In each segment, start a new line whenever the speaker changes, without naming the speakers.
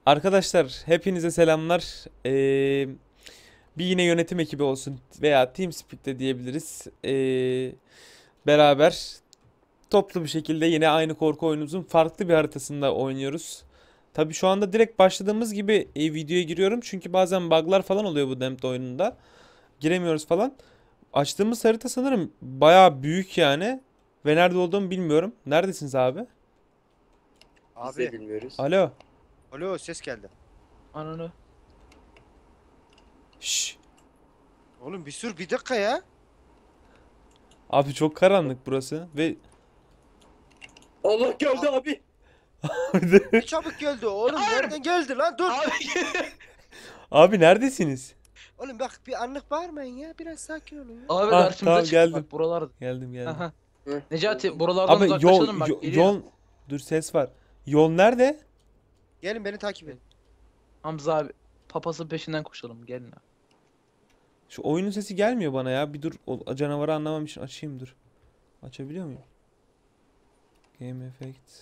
Arkadaşlar hepinize selamlar. Bir yine yönetim ekibi olsun veya TeamSpeak'te diyebiliriz. Beraber toplu bir şekilde yine aynı korku oyunumuzun farklı bir haritasında oynuyoruz. Tabii şu anda direkt başladığımız gibi videoya giriyorum. Çünkü bazen bug'lar falan oluyor bu Damned oyununda. Giremiyoruz falan. Açtığımız harita sanırım bayağı büyük yani. Ve nerede olduğumu bilmiyorum. Neredesiniz abi?
Biz de
Abi,
bilmiyoruz.
Alo.
alo ses geldi.
Ananı.
Şşş.
Oğlum bir dakika ya.
Abi çok karanlık burası ve
Allah geldi abi.
Ne çabuk geldi oğlum. Nereden geldi lan? Dur.
Abi
Abi neredesiniz?
Oğlum bak bir anlık bağırmayın ya. Biraz sakin olun ya.
abi
Ah,
karşımıza
tamam,
çıktı
geldim.
bak buralarda.
Geldim.
Aha.
Hı.
Necati buralardan
Abi
uzaklaşalım bak geliyor.
yol dur ses var. Yol nerede?
Gelin beni takip edin.
Hamza abi papasın peşinden koşalım gelin abi.
Şu oyunun sesi gelmiyor bana ya. Bir dur o canavarı anlamam için açayım dur. Açabiliyor muyum? Game Effects.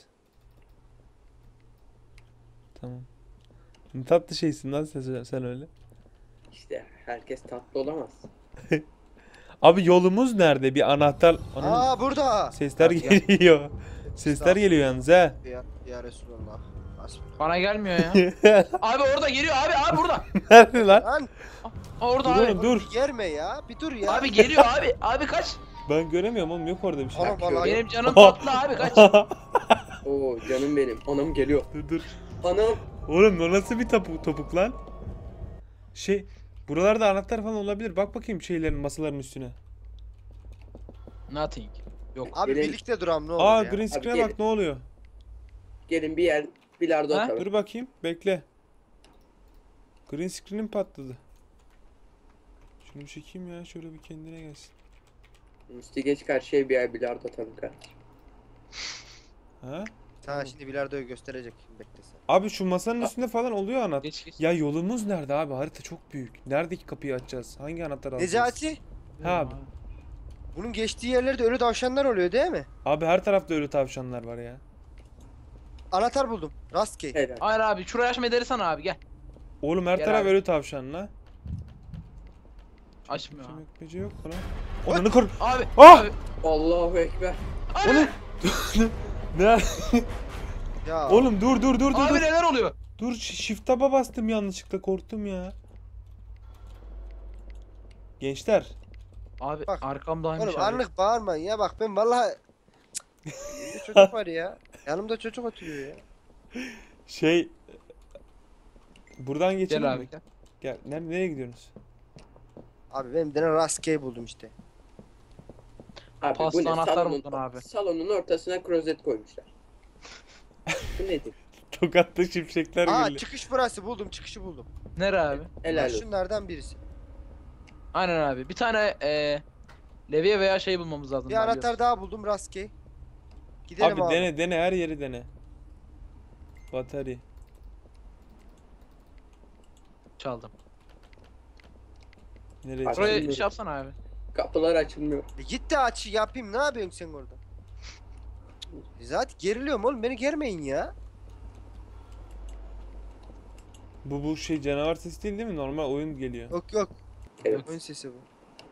Tamam. Ne tatlı şeysin lan sen öyle.
İşte herkes tatlı olamaz.
Abi yolumuz nerede? Bir anahtar. Ananı-
Aa burada.
Sesler
Gel, gel.
geliyor. Sesler geliyor yalnız ha.
Ya Resulallah. Hasbunallah.
Bana gelmiyor ya. Abi orada geliyor abi burada.
Nerede lan?
Lan
Orada
Dur
abi.
oğlum, dur.
bir germe ya. Bir dur ya.
Abi geliyor abi kaç.
Ben göremiyorum oğlum, yok orada bir şey.
Oğlum vallahi
Benim canım tatlı abi kaç.
Oo canım benim. Anam geliyor.
Dur.
Anam.
Oğlum o nasıl bir topuk lan? Buralarda anahtar falan olabilir. Bak bakayım şeylerin, masaların üstüne.
Nothing. Yok.
Abi
Gelin.
birlikte duram ne olur
Aa,
ya.
green
Abi
screen'e
gelin.
bak ne oluyor.
Gelin bir yer bilardo
Ha?
atalım.
Dur bakayım, bekle. Green screen'im patladı. Şunu bir çekeyim ya, şöyle bir kendine gelsin.
Üstü geç karşıya bir yer bilardo atalım kardeşim.
Ha?
Sana şimdi bilardoyu gösterecek. Bekle sen.
Abi şu masanın üstünde falan oluyor anahtar.
Geç.
Ya yolumuz nerede abi? Harita çok büyük. Neredeki kapıyı açacağız? Hangi anahtar alacağız?
Necati.
Ha abi.
Bunun geçtiği yerlerde ölü tavşanlar oluyor değil mi?
Abi her tarafta ölü tavşanlar var ya.
Anahtar buldum. Rastgele.
Helal.
Hayır abi şurayı açma sana abi gel.
Oğlum her
Gel
taraf
abi.
ölü tavşan la.
Açmıyor abi.
Ekmece yok mu lan? Onunu kor.
Abi.
Ah!
Abi.
Allahu ekber.
Oğlum. Ne?
Ya.
Oğlum dur.
Abi neler oluyor?
Dur, shift tab'a bastım yanlışlıkla, korktum ya. Gençler.
Abi
Bak.
arkamdaymış
Oğlum
abi.
anlık bağırmayın ya. Bak ben vallahi... Yanımda çocuk var ya. Yanımda çocuk oturuyor ya.
Buradan geçelim
Gel abi
mi?
gel.
Gel. Nereye gidiyorsunuz?
Abi benim bir tane rastgele buldum işte.
Abi
Paslı
bu ne?
anahtar buldun abi.
Salonun ortasına klozet koymuşlar. Bu nedir?
Tokatlı şimşekler
Aa
geliyor.
çıkış burası buldum. Çıkışı buldum.
Nere abi?
Helal
Bak
olsun.
şunlardan birisi.
Aynen abi. Bir tane levye veya şey bulmamız lazım.
Bir anahtar daha buldum rastgele. Gidelim
Abi
abi.
dene her yeri dene. Batarya.
Çaldım.
Nereye?
Abi-
Buraya
Açılmıyor.
şey yapsana abi.
Kapılar açılmıyor.
Git de aç yapayım. Ne yapıyorsun sen orada? Zaten geriliyorum oğlum. Beni germeyin ya.
Bu şey canavar sesi değil mi? Normal oyun geliyor.
Yok.
Evet.
Oyun sesi bu.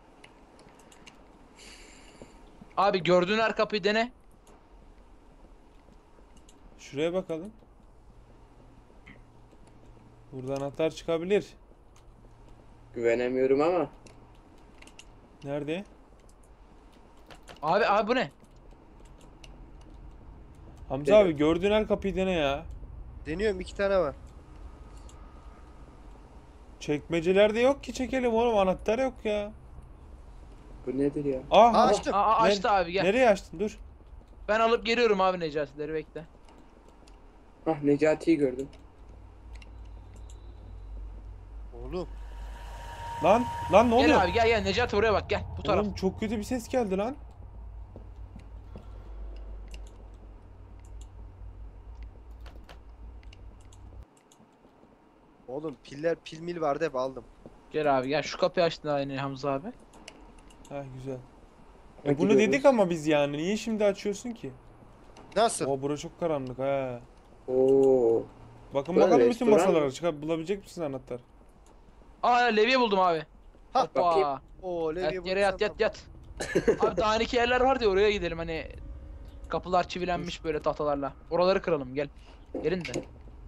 Abi gördüğün her kapıyı dene.
Şuraya bakalım. Burada anahtar çıkabilir.
Güvenemiyorum ama.
Nerede?
Abi bu ne?
Hamza abi gördüğün her kapıyı dene ya.
Deniyorum 2 tane var.
Çekmecelerde yok ki, çekelim oğlum, anahtar yok ya.
Bu nedir ya?
Ah,
Aa, açtım.
Açtı abi gel.
nereye açtın? Dur.
Ben alıp geliyorum abi Necati'leri bekle.
Ah Necati'yi gördüm.
Oğlum.
Lan ne oluyor?
Gel abi gel Necati buraya bak gel bu taraf.
Oğlum çok kötü bir ses geldi lan.
Oğlum pil mil vardı hep aldım.
Gel abi gel şu kapıyı açtın aynı Hamza abi.
Ha güzel.
Hadi
Bunu
gidiyoruz.
dedik ama biz yani. Niye şimdi açıyorsun ki?
Nasıl?
O bura çok karanlık ha.
Oo.
Bakın
Ulan
bakalım bütün
restoran
masalara
mı?
çıkar bulabilecek misiniz anahtar?
Aa levye buldum abi.
Ha,
Hoppa.
bakayım.
Oo Levye
Yat yere yat
bulursan
yat yat. Abi dağınık yerler var ya oraya gidelim hani. Kapılar çivilenmiş böyle tahtalarla. Oraları kıralım gel. Gelin de.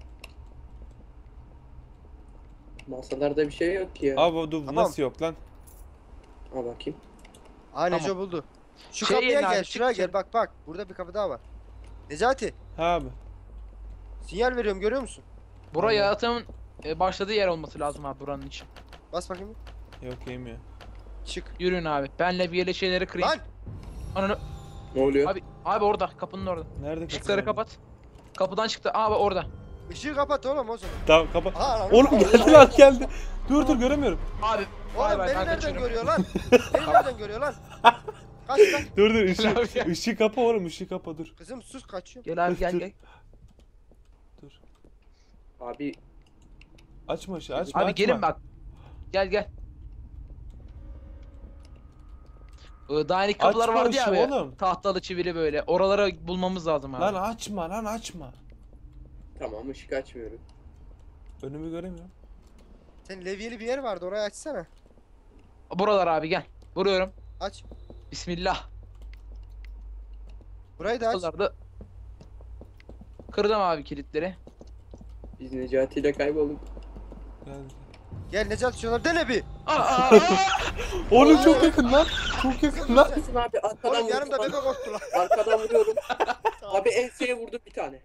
Masalarda bir şey yok ki ya.
Abi dur
Tamam.
nasıl yok lan?
Al bakayım.
Aa Neco
Tamam.
buldu. Şu
Şey
kapıya
yerine
gel,
abi,
şuraya
çık
gel.
içeri.
Bak burada bir kapı daha var. Necati,
Ha abi.
sinyal veriyorum görüyor musun?
Bura
Aynen.
yaratığın başladığı yer olması lazım abi buranın için.
Bas bakayım.
Yok yemiyor.
Çık.
Yürüyün abi. Ben levyeli şeyleri kırayım.
Lan!
Ananı.
Ne oluyor?
Abi orada kapının orada.
Nerede
Işıkları
kapı?
kapat. Kapıdan çıktı. Abi orada.
Işığı kapat oğlum o zaman.
Tamam kapat.
Aa lan.
Oğlum geldi lan geldi. Dur göremiyorum.
Abi.
Oğlum beni
ben
nereden
kaçıyorum.
görüyor lan? Beni nereden görüyor lan? Kaç lan.
Dur
Abi
ışığı,
ya.
ışığı kapa oğlum ışığı kapa dur.
Kızım sus kaçıyor.
Gel abi gel
Dur.
gel.
Dur.
Abi
Açma ışığı açma
Abi
açma.
gelin bak. Gel. Dainik kapılar
Açma
vardı ya
ışığı
abi.
oğlum.
Tahtalı çivili böyle. Oralara bulmamız lazım abi.
Lan açma.
tamam ışık açmıyorum.
Önümü göremiyorum.
Senin levyeli bir yer vardı orayı açsana.
Buralar abi gel. Vuruyorum.
Aç.
Bismillah.
Burayı da aç.
Buralarda. Kırdım abi kilitleri.
Biz Necati ile kaybolduk.
Geldi.
Gel Necati şuraları dene bir.
Aa!
Oğlum çok yakın lan. Çok yakın lan.
Haklısın abi arkadan
Oğlum yanımda
vurdum.
bebek korktu lan.
Arkadan vuruyorum. Abi enseye vurdum bir tane.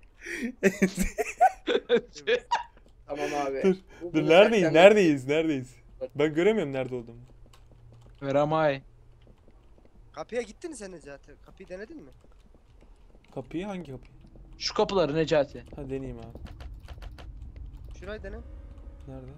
Tamam abi.
Dur,
Bu-
Dur
bunu
neredeyiz? Ben göremiyorum nerede olduğumu.
Veramay.
Kapıya gittin mi sen Necati? Kapıyı denedin mi?
Kapıyı hangi kapıyı?
Şu kapıları Necati.
Ha deneyeyim abi.
Şurayı dene.
Nerede?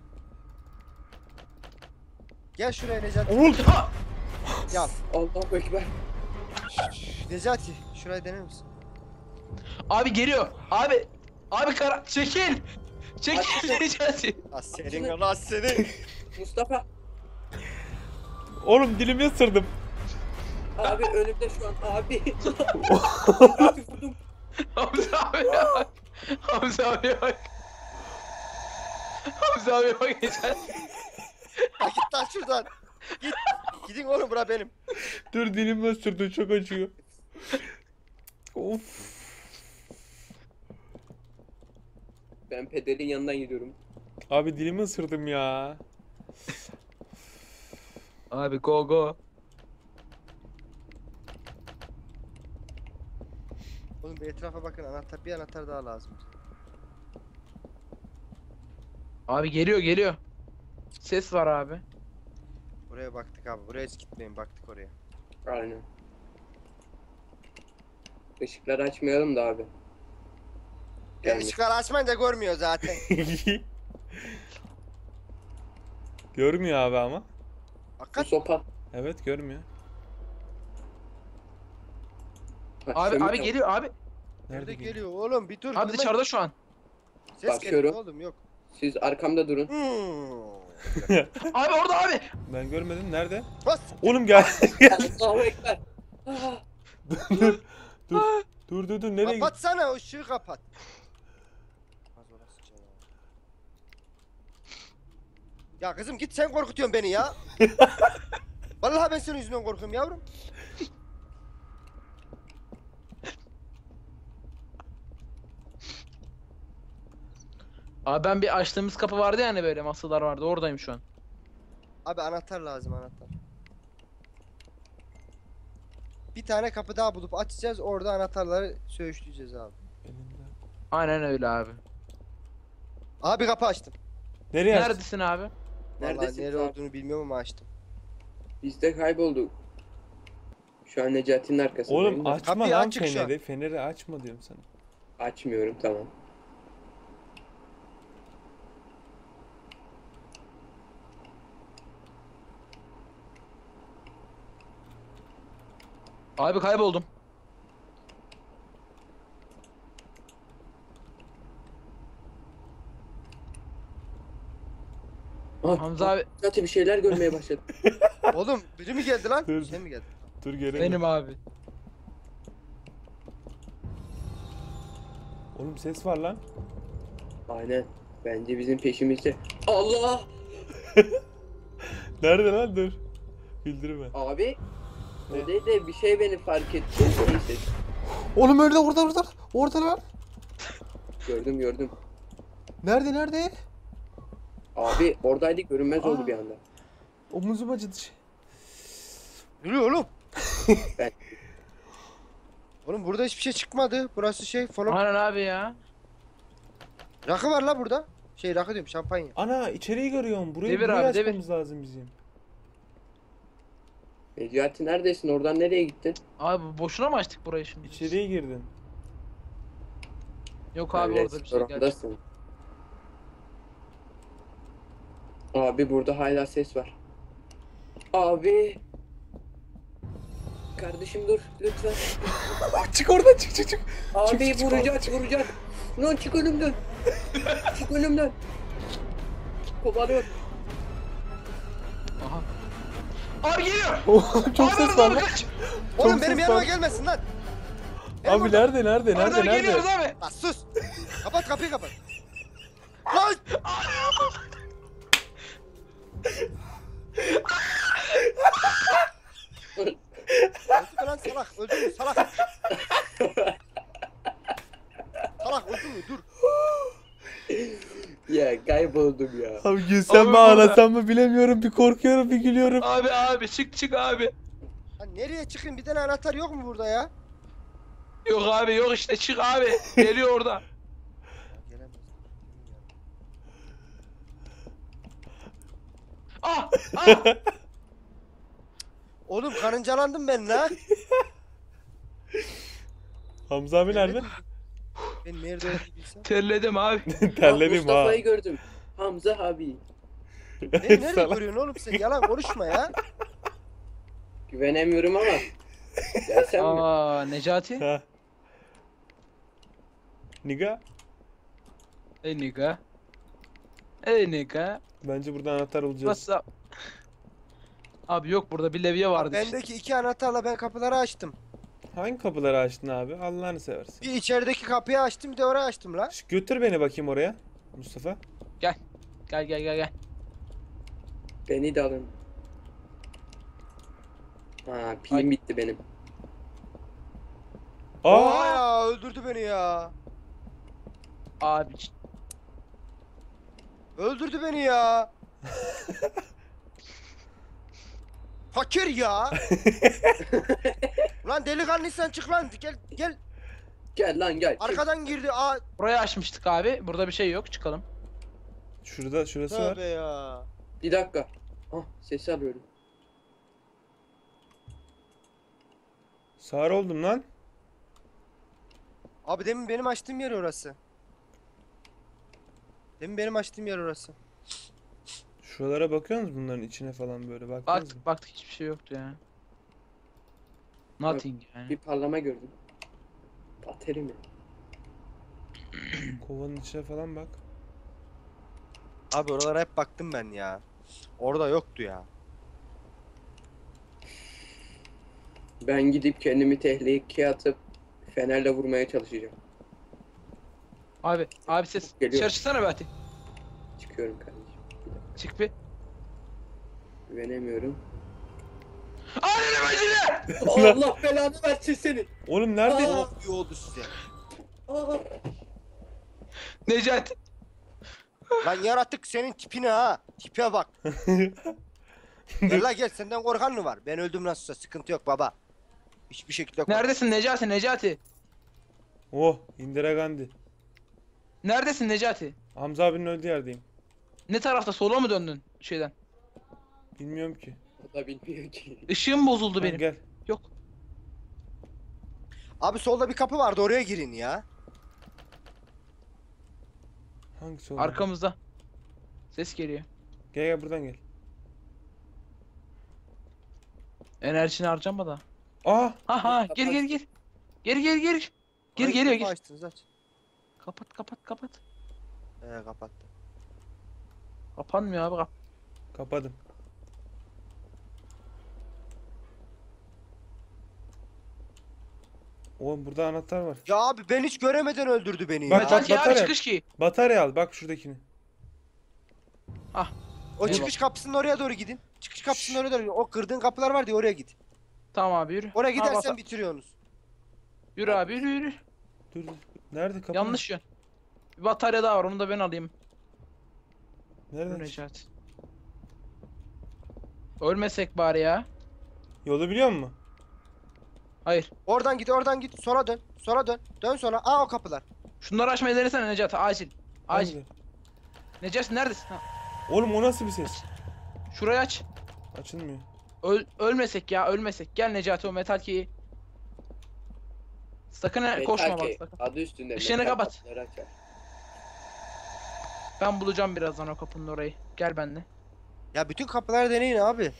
Gel şuraya Necati.
Oğlum.
Ya
Allahu Ekber.
Necati şurayı dener misin?
Abi geliyor. Abi kara çekil. Çekil
Açtım.
Necati.
Allah senin.
Mustafa.
Oğlum dilimi ısırdım.
Abi önümde şu an abi. Abi vurdum.
Hamza abi bak. Hamza abi bak. Hamza abi bak Necati.
Ya git lan şuradan. Git. Gidin oğlum bura benim.
Dur dilimi ısırdı çok acıyor. Of.
Ben pederin yanından gidiyorum.
Abi dilimi ısırdım ya.
Abi go.
Oğlum bir etrafa bakın bir anahtar daha lazım.
Abi geliyor. Ses var abi.
Buraya baktık abi. Buraya hiç gitmeyin. Baktık oraya.
Aynen. Işıkları açmayalım da abi.
Ya
Gelmiş.
ışıkları açmayın da görmüyor zaten.
Görmüyor abi ama.
Bu
Hakikat.
sopa.
Evet görmüyor.
Abi
Şöyle-
geliyor abi.
Nerede
geliyor?
geliyor oğlum bir dur.
Abi
durma.
dışarıda şu an.
Ses
Bakıyorum.
geliyor oğlum yok.
Siz arkamda durun.
Abi orada abi.
Ben görmedim. Nerede?
Bas.
Oğlum gel.
Allahu Ekber. Ah,
Dur. Nereye gidiyorsun?
Kapatsana o ışığı kapat. Az orası ya. Ya kızım git sen korkutuyorsun beni ya. Vallahi ben senin yüzünden korkuyorum yavrum.
Abi ben bir açtığımız kapı vardı yani böyle masalar vardı. Oradayım şu an.
Abi anahtar lazım anahtar. Bir tane kapı daha bulup açacağız orada anahtarları söğüşleyeceğiz abi.
Elinde.
Aynen öyle abi.
Abi kapı açtım.
Nereye açtın?
Neredesin abi?
Vallahi
Neredesiniz
nere
abi?
olduğunu bilmiyorum ama açtım.
Biz de kaybolduk. Şu an Necati'nin arkasındayım.
Oğlum
da.
açma
Kapıyı
lan
açık şu an.
feneri. Feneri açma diyorum sana.
Açmıyorum tamam.
Abi kayboldum. Hamza abi
Necati bir şeyler görmeye başladı.
Oğlum biri mi geldi lan?
Dur.
Sen mi geldin?
Dur göremiyorum.
benim abi.
Oğlum ses var lan.
Aynen. Bence bizim peşimizde. Allah!
Nerede lan, dur. Güldürme.
Abi.
Ne?
O değil de bir şey beni fark etti. Neyse.
Oğlum öyle, orada. Orada lan.
Gördüm.
Nerede?
Abi oradaydık, görünmez oldu bir anda.
Omuzum acıdı.
Yürü oğlum.
Ben
Oğlum burada hiçbir şey çıkmadı. Burası şey falan.
Aynen abi ya.
Rakı var la burada. Şey rakı diyorum, şampanya.
Ana, içeriği görüyorum. Burayı
Devir abi, devir.
açmamız lazım bizim.
Necati neredesin? Oradan nereye gittin?
Abi boşuna mı açtık burayı şimdi?
İçeriye girdin.
Yok abi orada bir şey gerçekten.
Restorandasın. Abi burada hala ses var. Abi. Kardeşim dur lütfen.
Çık oradan, çık.
Abi
çık,
vuracak. Lan çık önümden. Çık önümden. Kovalıyor.
Aha. Abi geliyor.
Çok
Abi
ses
oradan
var lan.
kaç.
Oğlum
Çok
benim
ses
yanıma
var.
gelmesin lan.
Abi nerede?
Oradan geliyoruz abi.
Lan sus. Kapat kapıyı kapat. Lan. Öldü mü lan salak? Öldü mü salak? Salak öldü mü? Dur.
Ya kayboldum ya.
Abi gülsem
Abi
mi
burada.
ağlasam mı bilemiyorum. Bir korkuyorum, bir gülüyorum.
Abi çık abi.
Lan nereye çıkayım? Bir tane anahtar yok mu burada ya?
Yok abi yok işte çık abi. Geliyor orada.
Gelemez.
Ah!
Oğlum karıncalandım ben lan.
Hamza abi nerede?
Ben nerede olduğumu bilsem.
Terledim abi.
Terledim ha.
Mustafa'yı gördüm. Hamza abi.
Beni nerede
Salak.
görüyorsun oğlum sen? Yalan konuşma ya.
Güvenemiyorum ama. Gelsem mi?
Aa Necati.
Ha. Niga.
Ey nigga. Ey nigga.
Bence burada anahtar bulacağız.
Nasıl? Abi yok burada bir levye vardı işte.
Bendeki iki anahtarla ben kapıları açtım.
Hangi kapıları açtın abi? Allah'ını seversen.
Bir içerideki kapıyı açtım, bir de orayı açtım lan.
Götür beni bakayım oraya. Mustafa.
Gel.
Beni de alın. Ha pilim bitti benim.
Oha
Aa!
ya, öldürdü beni ya.
Abi
Öldürdü beni ya. Fakir ya. Lan delikanlıysan çık lan. Gel.
Gel lan gel. Çık.
Arkadan girdi. Aa,
burayı açmıştık abi. Burada bir şey yok. Çıkalım.
Şurası var.
tövbe ya.
Bir dakika. Ah sesi alıyorum.
Sağır oldum lan.
Abi demin benim açtığım yer orası. Demin benim açtığım yer orası.
Şuralara bakıyor musunuz, bunların içine falan böyle baktınız mı?
Baktık hiçbir şey yoktu ya. Nothing yani.
Bir parlama gördüm. Bateri mi?
Kovanın içine falan bak.
Abi oralara hep baktım ben ya. Orada yoktu ya.
Ben gidip kendimi tehlikeye atıp fenerle vurmaya çalışacağım.
Abi ses.
Geliyor.
Dışarı çıksana be Ati.
Çıkıyorum kardeşim. Bir dakika.
Çık bir.
Güvenemiyorum.
Anne bacını!
Allah belanı versin seni.
Oğlum nerede?
Aa!
İyi oldu size.
Aa!
Necati.
Lan yaratık senin tipine ha. Tipe bak. Gel la gel, senden korkan mı var? Ben öldüm nasılsa sıkıntı yok baba. Hiçbir şekilde korkma.
Neredesin Necati?
Oh, Indira Gandhi.
Neredesin Necati?
Hamza abinin öldüğü yerdeyim.
Ne tarafta? Sola mı döndün şeyden?
Bilmiyorum ki.
O da bilmiyor ki.
Işığım bozuldu
Ha,
benim.
gel.
Yok.
Abi solda bir kapı vardı, oraya girin ya.
Hangisi oldu?
Arkamızda. Ses geliyor.
Gel buradan gel.
Enerjini harcama da.
Aa!
Ha gir. Gir. Gir
Hangi
geliyor
kapı
gir.
açtınız, aç.
Kapat.
Kapattı.
Kapanmıyor abi
Kapadım. Oğlum burada anahtar var.
Ya abi ben hiç göremeden öldürdü beni
Bak,
ya.
bak.
Metal ki abi
batarya.
çıkış ki.
Batarya al bak şuradakini.
O
Eyvah.
çıkış kapısının oraya doğru gidin. Çıkış kapısının oraya doğru. O kırdığın kapılar var diye oraya git.
Tamam abi yürü.
Oraya
Ha,
gidersen
bata-
bitiriyorsunuz.
Yürü abi yürü yürü.
Dur. Nerede kapı?
Yanlış yön. Bir batarya daha var onu da ben alayım.
Nerede?
Dur Necati. Ölmesek bari ya.
Yolu biliyor musun?
Hayır.
Oradan git, oradan git. Sola dön. Sola dön. Dön sola. Aa o kapılar.
Şunları açmayı denesene Necati acil. Acil.
Nerede?
Necati neredesin? Ha,
Oğlum o nasıl bir ses?
şurayı aç.
Açılmıyor.
Ölmesek ya ölmesek. Gel Necati o metal key'i. Sakın koşma
Metal
bak
key,
sakın.
adı üstünde.
Işığını
metal
kapat.
kapıları açar.
Ben bulacağım birazdan o kapının orayı. Gel benimle.
Ya bütün kapıları deneyin abi.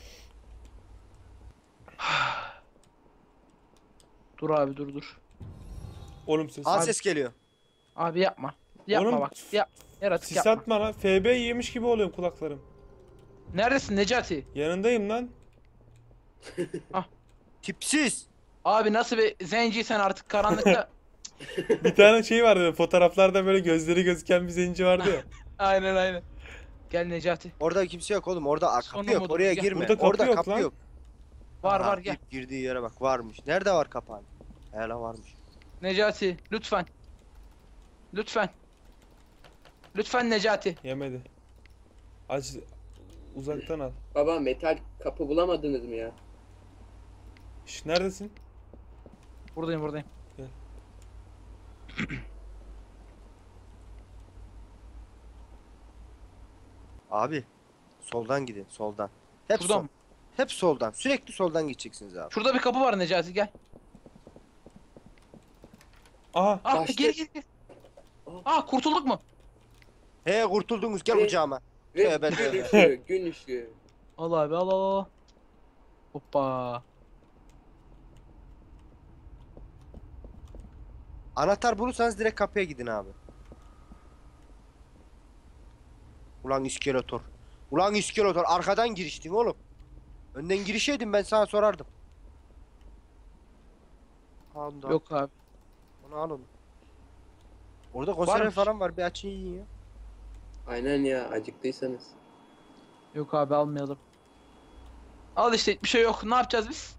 Dur abi dur.
Oğlum ses.
Aa
Abi.
ses geliyor.
Abi yapma. Yapma
Oğlum,
bak. Yaratık
Sis
yapma.
atma lan. FB yemiş gibi oluyorum kulaklarım.
Neredesin Necati?
Yanındayım lan.
Tipsiz.
Abi nasıl bir zenciysen artık karanlıkta.
Bir tane şey vardı. Fotoğraflarda böyle gözleri gözüken bir zenci vardı ya.
Aynen. Gel Necati.
Orada kimse yok oğlum. Orada kapı
Sonu
yok.
mudur?
Oraya
Gel.
girme.
Burada kapı
Orada
yok
kapı
lan.
yok.
Var
Aha,
var gel.
ip girdiği yere bak. Varmış. Nerede var kapağın? Hele varmış.
Necati lütfen. Lütfen. Lütfen Necati.
Yemedi. Aç. Uzaktan al.
Baba metal kapı bulamadınız mı ya?
Şş, neredesin?
Buradayım.
Gel.
Abi. Soldan gidin. Soldan. Hep
Şuradan
sol.
mı?
Hep soldan. Sürekli soldan gideceksiniz abi.
Şurada bir kapı var Necati gel.
Aha.
Ah
Başta-
geri. Ah kurtulduk mu?
He kurtuldunuz. Gel
Evet.
kucağıma.
Ve
Tövbe
gün
tövbe.
ışığı, gün ışığı.
Al abi al. Hoppa.
Anahtar bulursanız direkt kapıya gidin abi. Ulan iskeletor. Ulan iskeletor. Arkadan giriştin oğlum. Önden girişeydin ben sana sorardım. Al onu da al.
Yok abi.
Onu al onu. Orada konserve
Varmış.
falan var. Bir açın yiyin ya.
Aynen ya acıktıysanız.
Yok abi almayalım. Al işte bir şey yok. Ne yapacağız biz?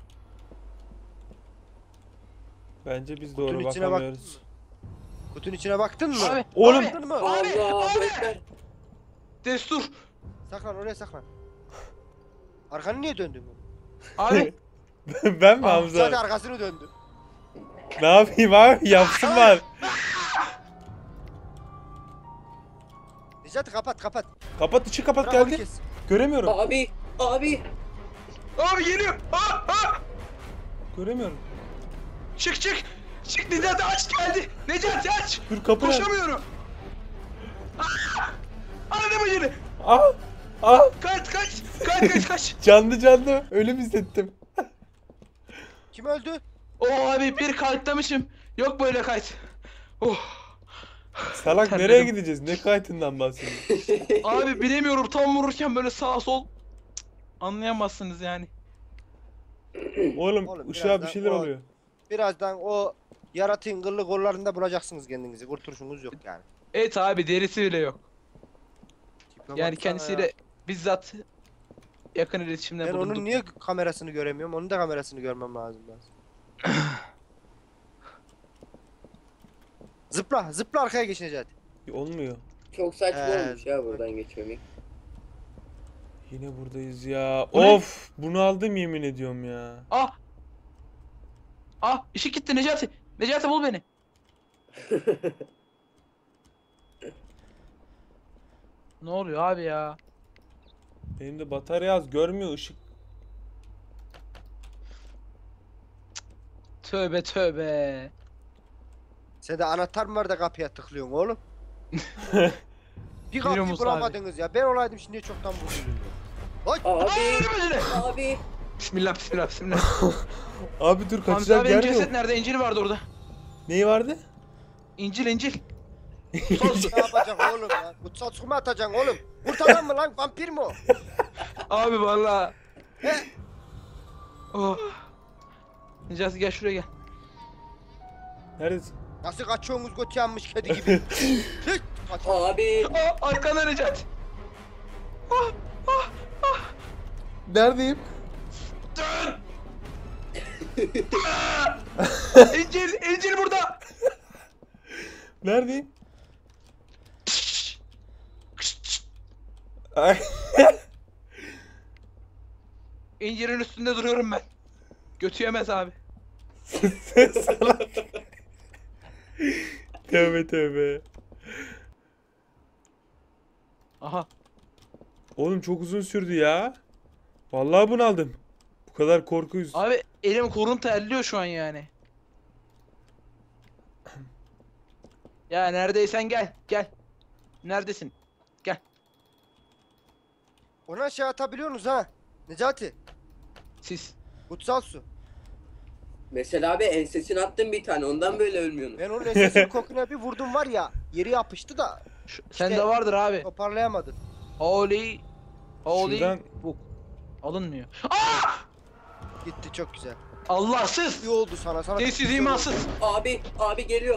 Bence biz
Kutunun
doğru
içine
bakamıyoruz.
Kutunun içine baktın mı?
Abi.
Oğlum.
Abi,
Baktın mı?
Abi,
Allah
abi.
Ekber.
Destur.
Saklan oraya saklan. Arkanı niye döndün?
Abi.
Ben mi
Ah,
Hamza?
Sadece arkasını döndü.
Ne yapayım abi? Yapsınlar.
Necati kapat.
Kapat içi kapat
Bırak onu
geldi.
kes.
Göremiyorum.
Abi.
Abi geliyor.
Göremiyorum.
Çık. Necati aç geldi. Necati aç.
Dur kapı nerede?
Koşamıyorum. Anne bacını.
Ah! Ah!
Kaç.
Canlı ölüm hissettim.
Kim öldü?
Abi bir kayıtlamışım. Yok böyle kayıt. Oh.
Salak
Terledim.
nereye gideceğiz? Ne kayıtından bahsediyorsun?
Abi bilemiyorum tam vururken böyle sağ sol. Cık, anlayamazsınız yani.
Oğlum
Oğlum,
uşağa bir
birazdan
şeyler
o-
oluyor.
Birazdan o yaratığın kıllı kollarında bulacaksınız kendinizi. Kurtuluşunuz yok yani.
Evet abi derisi bile yok.
Tipe
Yani
baksana
kendisiyle
ya.
bizzat yakın iletişimde
Ben
bulunduk.
onun niye kamerasını göremiyorum? Onun da kamerasını görmem lazım ben. Zıpla arkaya geç Necati.
Olmuyor.
Çok saçma
Ee,
olmuş ya buradan geçmemek.
Yine buradayız ya.
Bu ne?
Of! Bunu aldım yemin ediyorum ya.
Işık gitti Necati. Necati bul beni. Ne oluyor abi ya?
Benim de batarya az görmüyor ışık.
Tövbe.
Sende anahtar mı var da kapıya tıklıyorsun oğlum? Bir
Biliyor
kapıyı
musun
bulamadınız ya. Ben olaydım şimdi çoktan buldum.
Abi.
Bacını.
Abi.
Bismillah.
Abi dur
Hamza
kaçacak
abinin
yer
ceset
yok.
nerede? İncil vardı orada.
Neyi vardı?
İncil.
Ne yapacaksın oğlum ya? Kutsal su mu atacaksın oğlum? Kurt adam mı lan? Vampir mi o?
Abi valla. Oh. Necati gel şuraya gel.
Neredesin?
Nasıl kaçıyorsunuz götü yanmış kedi gibi? Hiç kaçma.
Abi
Aa, arkana Necati.
Neredeyim?
Dön. Encil burada.
Neredeyim? Ay.
İncir'in üstünde duruyorum ben. Götü yemez abi.
Salak. Tövbe tövbe.
Aha.
Oğlum çok uzun sürdü ya. Vallahi bunaldım. Bu kadar korku
Abi elim kolum terliyor şu an yani. Ya neredeysen gel. Gel. Neredesin? Gel.
Onu aşağı atabiliyorsunuz ha. Necati.
Siz.
Kutsal su.
mesela abi ensesini attım bir tane ondan böyle ölmüyorsun.
Ben onun esesinin kokuna bir vurdum var ya. Yeri yapıştı da
Sende vardır abi.
toparlayamadım.
Holy. Holy.
Şuradan-
Bu. Alınmıyor. Aa!
Gitti çok güzel.
Allahsız.
İyi oldu sana. Sana
Sessiz
çok güzel
imansız.
oldu.
Abi geliyor.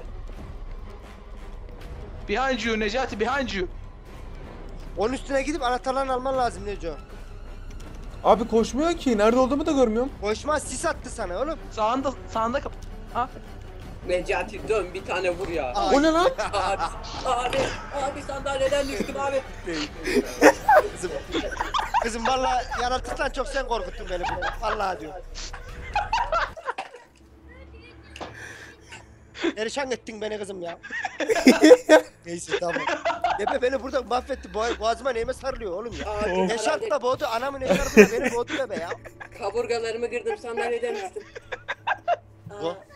Behind you Necati, behind you.
Onun üstüne gidip anahtarlarını alman lazım Neco.
Abi koşmuyor ki. Nerede olduğumu da görmüyorum.
Koşmaz sis attı sana oğlum.
Sağında kap. Ha?
Necati dön bir tane vur ya.
Ay.
O ne lan?
Abi sandalyeden düştüm abi.
Kızım. Kızım valla yaratıktan çok sen korkuttun beni burada. Vallahi diyorum. Perişan ettin beni kızım ya. Neyse tamam. Bebe beni burada mahvetti. Boğazıma neyime sarılıyor oğlum ya.
Abi,
Ne şartla boğdu anamın ne şartla beni boğdu bebe ya.
kaburgalarımı kırdım sandalyeden düştüm.
Bu.
Aa,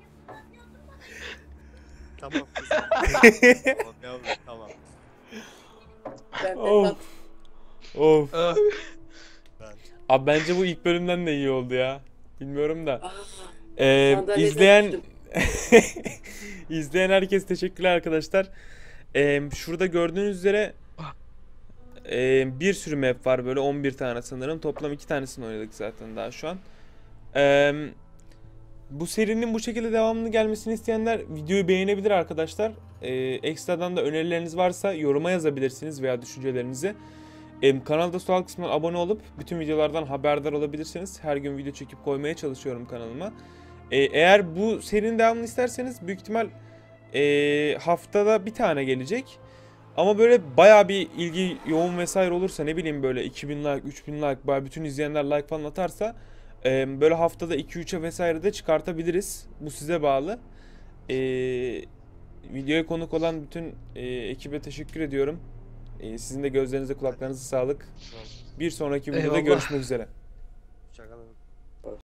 Tamam kızım. Tamam yavrum tamam.
ben
Of. Of.
Ah.
Abi bence bu ilk bölümden de iyi oldu ya. Bilmiyorum da.
Aa, sandalyeden
İzleyen
düştüm.
izleyen herkes teşekkürler arkadaşlar. Şurada gördüğünüz üzere bir sürü map var böyle 11 tane sanırım. Toplam 2 tanesini oynadık zaten daha şu an. Bu serinin bu şekilde devamını gelmesini isteyenler videoyu beğenebilir arkadaşlar. Ekstradan da önerileriniz varsa yoruma yazabilirsiniz veya düşüncelerinizi. Kanalda sol alt kısmından abone olup bütün videolardan haberdar olabilirsiniz. Her gün video çekip koymaya çalışıyorum kanalıma. Eğer bu serinin devamını isterseniz büyük ihtimal haftada bir tane gelecek. Ama böyle bayağı bir ilgi yoğun vesaire olursa ne bileyim böyle 2000 like, 3000 like, bayağı bütün izleyenler like falan atarsa böyle haftada 2-3'e vesaire de çıkartabiliriz. Bu size bağlı. Videoya konuk olan bütün ekibe teşekkür ediyorum. Sizin de gözlerinize kulaklarınıza sağlık. Bir sonraki videoda
Eyvallah.
görüşmek üzere.
Şaka.